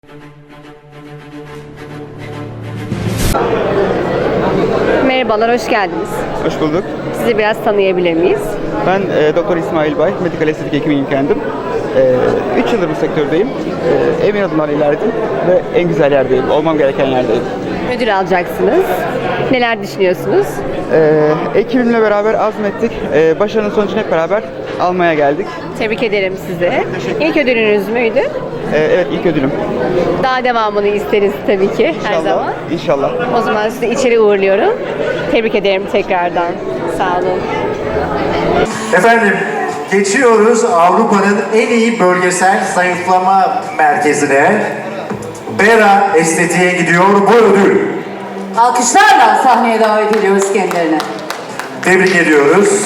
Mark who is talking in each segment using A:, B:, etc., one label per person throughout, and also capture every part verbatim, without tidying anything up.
A: Merhabalar, hoş geldiniz.
B: Hoş bulduk.
A: Sizi biraz tanıyabilir miyiz?
B: Ben e, Doktor İsmail Bay, medikal estetik hekimiyim kendim. üç yıldır bu sektördeyim. E, emin adımlarla ilerledim ve en güzel yerdeyim, olmam gereken yerdeyim.
A: Ödül alacaksınız. Neler düşünüyorsunuz?
B: E, ekibimle beraber azmettik. E, başarının sonucunu hep beraber almaya geldik.
A: Tebrik ederim size.
B: Teşekkür
A: İlk ödülünüz müydü?
B: E, evet, ilk ödülüm.
A: Daha devamını isteriz tabii ki her
B: İnşallah.
A: zaman.
B: İnşallah.
A: O zaman sizi içeri uğurluyorum. Tebrik ederim tekrardan. Sağ olun.
C: Efendim, geçiyoruz Avrupa'nın en iyi bölgesel zayıflama merkezine. Bera Estetiğe gidiyor bu ödül.
D: Alkışlarla sahneye davet ediyoruz kendilerini.
C: Tebrik ediyoruz.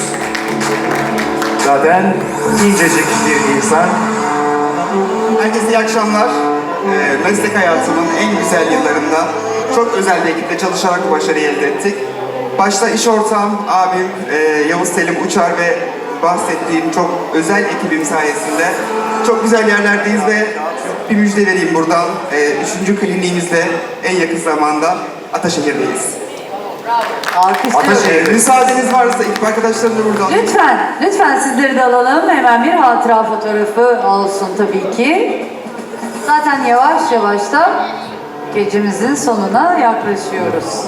C: Zaten incecik bir insan.
E: Herkese iyi akşamlar. Ee, meslek hayatımın en güzel yıllarında çok özel bir ekiple çalışarak bu başarıyı elde ettik. Başta iş ortağım, abim e, Yavuz Selim Uçar ve bahsettiğim çok özel ekibim sayesinde çok güzel yerlerdeyiz ve bir müjde vereyim buradan. E, üçüncü kliniğimizde en yakın zamanda Ataşehir'deyiz.
D: Alkışlıyoruz.
C: Ataşehir.
E: Müsaadeniz varsa ekip arkadaşlarım da burada.
D: Lütfen, lütfen sizleri de alalım. Hemen bir hatıra fotoğrafı olsun tabii ki. Zaten yavaş yavaş da gecemizin sonuna yaklaşıyoruz.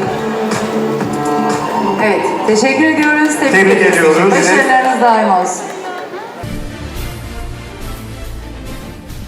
D: Evet, teşekkür ediyoruz.
C: Tebrik ediyoruz.
D: Başarılarınız daim olsun.